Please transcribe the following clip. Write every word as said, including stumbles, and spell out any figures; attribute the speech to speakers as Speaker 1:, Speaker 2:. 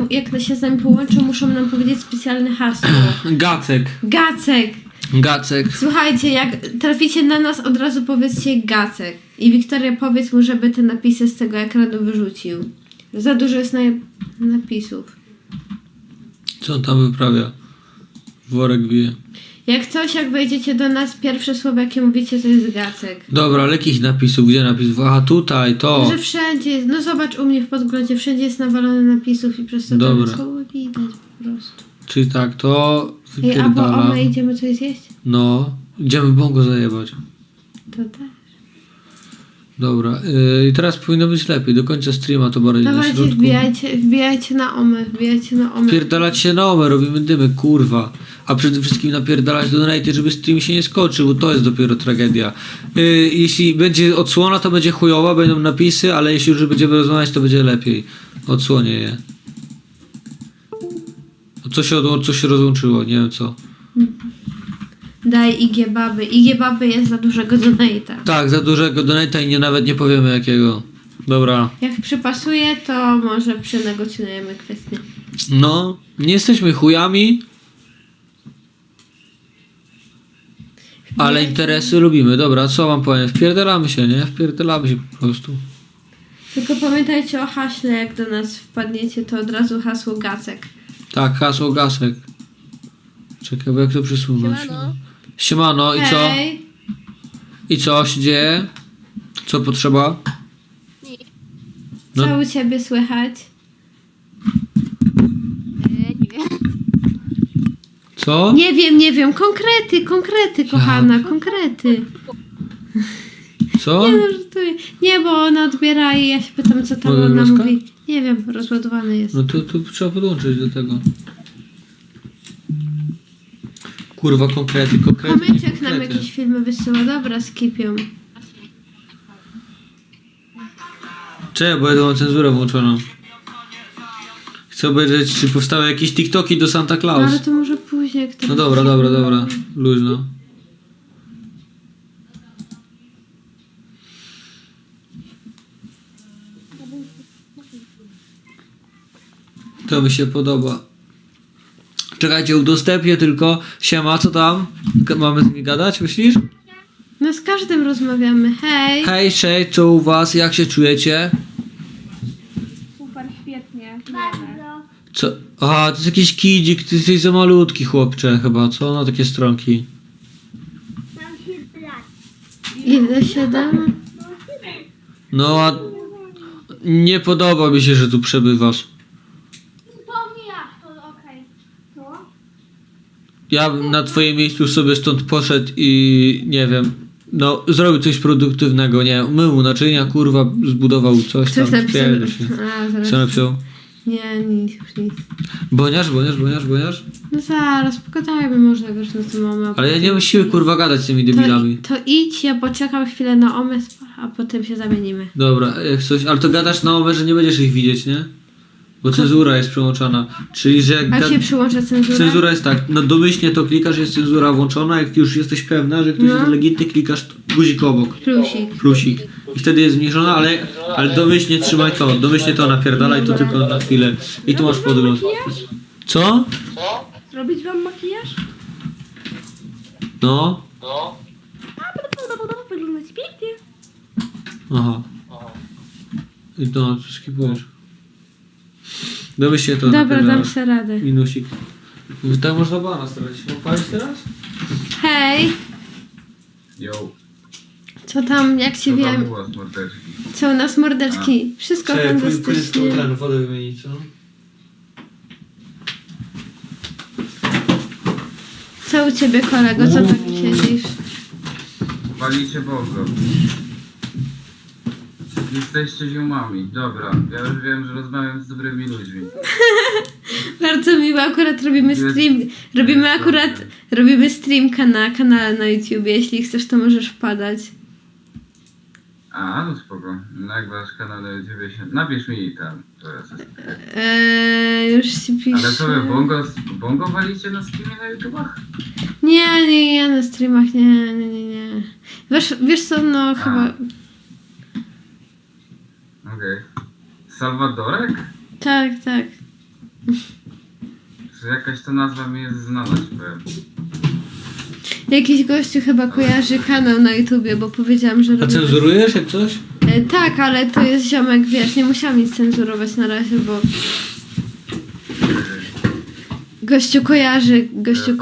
Speaker 1: jak się z nami połączą, muszą nam powiedzieć specjalne hasło.
Speaker 2: Gacek.
Speaker 1: Gacek.
Speaker 2: Gacek.
Speaker 1: Słuchajcie, jak traficie na nas, od razu powiedzcie Gacek. I Wiktoria, powiedz mu, żeby te napisy z tego ekranu wyrzucił. Za dużo jest na... napisów.
Speaker 2: Co on tam wyprawia? Worek bije.
Speaker 1: Jak coś, jak wejdziecie do nas, pierwsze słowo jakie mówicie to jest Gacek.
Speaker 2: Dobra, ale jakich napisów? Gdzie napisów? Aha, tutaj, to.
Speaker 1: Że wszędzie jest, no zobacz u mnie w podglądzie, wszędzie jest nawalone napisów i przez to
Speaker 2: Dobra.
Speaker 1: tam słowo widać po prostu.
Speaker 2: Czyli tak, to
Speaker 1: Ej, a bo
Speaker 2: wypierdalam.
Speaker 1: my idziemy coś zjeść?
Speaker 2: No, idziemy bongo zajebać.
Speaker 1: To też.
Speaker 2: Dobra, yy, i teraz powinno być lepiej. Do końca streama to bardziej na
Speaker 1: Dawajcie,
Speaker 2: środku.
Speaker 1: wbijajcie, wbijajcie na omę, wbijajcie na omę.
Speaker 2: Pierdalać się na omę, robimy dymy, kurwa. A przede wszystkim napierdalać donate, żeby stream się nie skoczył, bo to jest dopiero tragedia. Yy, jeśli będzie odsłona, to będzie chujowa, będą napisy, ale jeśli już będziemy rozmawiać, to będzie lepiej. Odsłonię je. Co się, od, co się rozłączyło? Nie wiem co.
Speaker 1: Daj I G baby. I G baby jest za dużego donate'a.
Speaker 2: Tak, za dużego donata i nie, nawet nie powiemy jakiego. Dobra.
Speaker 1: Jak przypasuje, to może przynegocjujemy kwestię.
Speaker 2: No, nie jesteśmy chujami, ale interesy lubimy. Dobra, co wam powiem? Wpierdalamy się, nie? Wpierdalamy się po prostu.
Speaker 1: Tylko pamiętajcie o haśle, jak do nas wpadniecie, to od razu hasło Gacek.
Speaker 2: Tak, hasło Gasek. Czekaj, bo jak to przesunąć?
Speaker 3: Siemano.
Speaker 2: Siemano, i co?
Speaker 1: Hej!
Speaker 2: I co się dzieje? Co potrzeba? No.
Speaker 1: Co u ciebie słychać?
Speaker 3: Eee, nie wiem.
Speaker 2: Co?
Speaker 1: Nie wiem, nie wiem. Konkrety, konkrety, kochana, konkrety.
Speaker 2: Co?
Speaker 1: Nie no, żartuję. Nie, bo ona odbiera i ja się pytam, co tam
Speaker 2: Mogę
Speaker 1: ona
Speaker 2: wioska?
Speaker 1: mówi. Nie wiem, rozładowany jest.
Speaker 2: No to, to trzeba podłączyć do tego. Kurwa, konkrety, konkrety.
Speaker 1: Kamyczek nam
Speaker 2: konkrety.
Speaker 1: jakieś filmy wysyła. Dobra, skipią.
Speaker 2: Czekaj, bo ja tu mam cenzurę włączoną. Chcę obejrzeć, czy powstały jakieś TikToki do Santa
Speaker 1: No,
Speaker 2: Claus.
Speaker 1: ale to może później. Jak to
Speaker 2: No dobra, dobra, dobra. Luźno. To mi się podoba. Czekajcie, udostępnię tylko. Siema, co tam? G- Mamy z nimi gadać, myślisz?
Speaker 1: No z każdym rozmawiamy. Hej!
Speaker 2: Hej, cześć, co u was? Jak się czujecie?
Speaker 1: Super, świetnie.
Speaker 2: Co? Aha, to jest jakiś kidzik, ty jesteś za malutki chłopcze chyba, co? No takie stronki.
Speaker 1: Ile? Siedem?
Speaker 2: No a nie podoba mi się, że tu przebywasz. Ja bym na twoim miejscu sobie stąd poszedł i nie wiem, no zrobił coś produktywnego, nie wiem, mył naczynia, kurwa, zbudował coś tam,
Speaker 1: Coś napisał.
Speaker 2: spierdol się.
Speaker 1: A, zaraz.
Speaker 2: Co napisał?
Speaker 1: Nie, nic, już nic.
Speaker 2: Boniarz, boniarz, boniarz, boniarz?
Speaker 1: No zaraz, pogadajmy może, wiesz, na tym omę.
Speaker 2: Ale ja nie mam siły, kurwa, gadać z tymi
Speaker 1: To,
Speaker 2: debilami.
Speaker 1: to idź, ja poczekam chwilę na omę, a potem się zamienimy.
Speaker 2: Dobra, jak coś, ale to gadasz na omę, że nie będziesz ich widzieć, nie? Bo cenzura jest przełączana. Czyli, że jak
Speaker 1: A
Speaker 2: gad...
Speaker 1: się przyłącza cenzura?
Speaker 2: Cenzura jest tak, no domyślnie to klikasz, jest cenzura włączona, jak już jesteś pewna, że ktoś
Speaker 1: No.
Speaker 2: jest legitny, klikasz guzik obok.
Speaker 1: Plusik.
Speaker 2: Plusik. I wtedy jest zmniejszona, ale, ale domyślnie trzymaj to, domyślnie to napierdalaj to tylko na chwilę. I tu masz podgląd. Co?
Speaker 1: Zrobić wam makijaż?
Speaker 2: No.
Speaker 1: Wyglądać pięknie.
Speaker 2: Aha. I to skipujesz. Domyślnie to
Speaker 1: Dobra, dam
Speaker 2: napierdalasz.
Speaker 1: sobie radę.
Speaker 2: Minusik. Tak można bana starać. Odpalić teraz?
Speaker 1: Hej!
Speaker 4: Yo,
Speaker 1: Co tam, jak ci
Speaker 4: co tam
Speaker 1: wiem?
Speaker 4: u was, mordeczki?
Speaker 1: Co u nas mordeczki? Wszystko fantastycznie.
Speaker 2: ten wodę wymienić, co?
Speaker 1: Co u ciebie, kolego? Co tak siedzisz?
Speaker 4: Walicie Bogo. Jesteście ziomami. Dobra, ja już wiem, że rozmawiam z dobrymi ludźmi.
Speaker 1: Bardzo miło, akurat robimy stream. Robimy akurat, robimy streamka na kanale na YouTube. Jeśli chcesz, to możesz wpadać.
Speaker 4: A, no spoko. No jak wasz kanał na YouTubie się... Napisz mi tam. Teraz jest.
Speaker 1: Eee, już ci piszę.
Speaker 4: Ale co wy, bongo, bongo walicie na streamie na YouTubach?
Speaker 1: Nie, nie, nie, na streamach, nie, nie, nie, nie. Wiesz, wiesz co, no chyba...
Speaker 4: Okej. Salwadorek?
Speaker 1: Tak, tak.
Speaker 4: Że jakaś ta nazwa mi jest znana, ci powiem.
Speaker 1: Jakiś gościu chyba kojarzy kanał na YouTubie, bo powiedziałam, że
Speaker 2: A
Speaker 1: robi...
Speaker 2: cenzurujesz jak coś?
Speaker 1: E, tak, ale to jest ziomek, wiesz, nie musiałam nic cenzurować na razie, bo... Gościu kojarzy, gościu